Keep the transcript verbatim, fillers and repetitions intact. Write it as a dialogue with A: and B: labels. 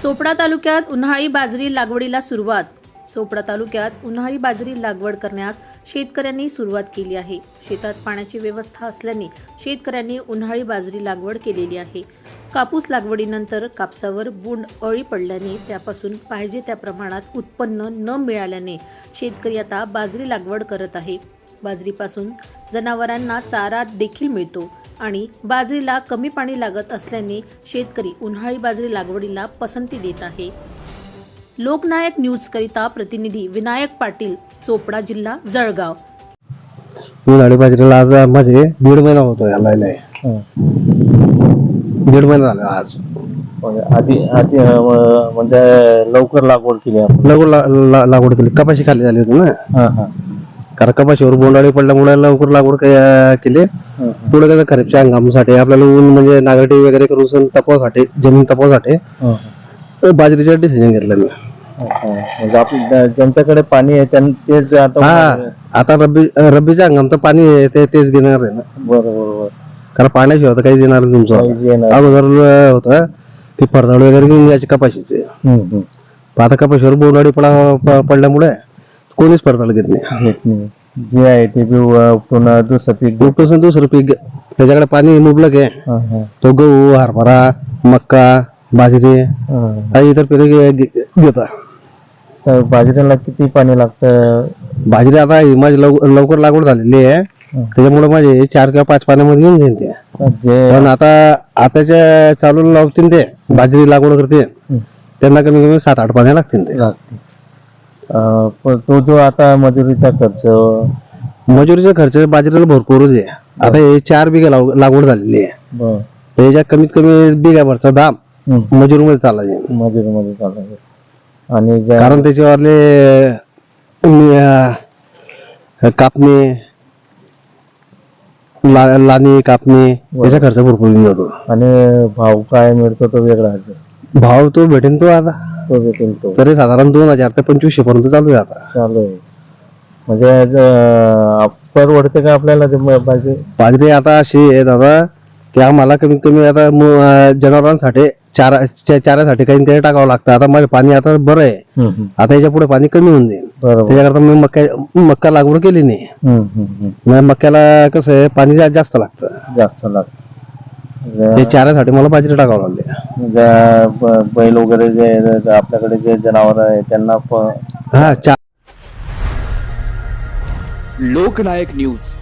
A: चोपडा तालुक्यात उन्हाळी बाजरी लागवडीला सुरुवात. चोपडा तालुक्यात उन्हाळी बाजरी लागवड करण्यास शेतकऱ्यांनी सुरुवात केली आहे. शेतात पाण्याची व्यवस्था असल्याने शेतकऱ्यांनी उन्हाळी बाजरी लागवड केलेली आहे. कापूस लागवडीनंतर कापसावर बोंड अळी पडल्याने त्यापासून पाहिजे त्या प्रमाणात उत्पन्न न मिळाल्याने शेतकरी आता बाजरी लागवड करत आहे. बाजरीपासून जनावरांना चारा देखील मिळतो आणि बाजरीला कमी पाणी लागत असल्याने शेतकरी उन्हाळी बाजरी लागवडीला पसंती देत आहे. लोकनायक न्यूज करिता प्रतिनिधी विनायक पाटील, चोपडा जिल्हा जळगाव.
B: उन्हाळी बाजरीला आज माझे दीड महिना होतो याला दीड महिना झाला आज.
C: आधी आधी अं, म्हणजे लवकर लागवड केली आपण.
B: लवकर ला- ला- लागवड केली. कपाशी खाली झाली होती ना,
C: हा हा
B: कारण कपाशीवर बोंडाळी पडल्यामुळे लवकर लागवड क- केली. पुढे कसं खरीपच्या हंगामासाठी आपल्याला ऊन म्हणजे नांगरटी वगैरे करून सण तपासाठी जमीन तपासाठी बाजरीचं डिसिजन घेतलं मी.
C: म्हणजे आपल्या ज्यांच्याकडे पाणी आहे त्यां तेच आता.
B: हा, आता रब्बी रब्बीच्या हंगाम तर पाणी आहे ते तेच घेणार आहे ना,
C: बरोबर बरोबर.
B: कारण पाण्याशिवाय तर काहीच येणार नाही तुमचं.
C: काहीच येणार.
B: अगोदर होतं की फरदाड वगैरे घेऊन यायचे कपाशीचे.
C: हम्म, हम्म.
B: पण आता कपाशीवर बोंडाळी पडा प- पडल्यामुळे कोणीच फरदाड घेत नाही.
C: घेत नाही. जे आहे ते बी उ- पुन्हा दुसरं पीक.
B: उपटून दुसरं पीक घे- त्याच्याकडे पाणी मुबलक आहे.
C: हा, हा.
B: तो गहू, हरभरा, मक्का, बाजरी
C: हा.
B: काही इतर पिके घेता.
C: तर बाजरीला किती पाणी लागतं?
B: बाजरी आता ही माझी लव- लवकर लागवड झालेली आहे, त्याच्यामुळे माझे चार किंवा पाच पाण्यामध्ये येऊन जाईल ते.
C: जे
B: पण आता आताच्या चालू लावतील ते बाजरी लागवड करते त्यांना कमी कमी सात आठ पाण्या लागतील ते.
C: लागते. अं, पण तो जो आता मजुरीचा खर्च.
B: मजुरीचा खर्च बाजरीला भरपूरच आहे. आता हे चार बिघा लाव- लागवड झालेली आहे.
C: बर.
B: त्याच्या कमीत कमी बिघाभरचा दाम
C: हम्म.
B: मजुरीमध्ये चालला जाईल.
C: मजुरीमध्ये चालू. आणि ज्या-
B: कारण त्याच्यावरले अं, कापणी ला- लाणी कापणी याचा खर्च भरपूर येऊन जातो.
C: आणि भाव काय मिळतो तो वेगळा आहे.
B: भाव तो भेटेन तो आता
C: तो भेटेल तो
B: तरी साधारण दोन हजार ते पंचवीसशे पर्यंत चालू आहे आता.
C: चालू आहे. म्हणजे अं, परवडते का आपल्याला ते म- बाजरी?
B: बाजरी आता अशी आहे दादा की आम्हाला कमीत कमी आता मु- अं, जनावरांसाठी चारा चा- चाऱ्यासाठी काही काही टाकावं लागतं. आता माझं पाणी आता बरं आहे,
C: हम्म, हम्म.
B: आता याच्या पुढे पाणी कमी होऊन जाईल.
C: बरोबर.
B: त्याच्याकरता मी मक्का मक्का लागवड केली नाही.
C: हम्म, हम्म, हम्म.
B: मग मक्याला कसं आहे पाणी जा- जास्त लागतं.
C: जास्त लागतं.
B: ते चाऱ्यासाठी मला बाजरी टाकावं लागली.
C: ज्या ब- बैल वगैरे जे आपल्याकडे जे जनावर आहे त्यांना प-
B: हा चा
D: लोकनायक न्यूज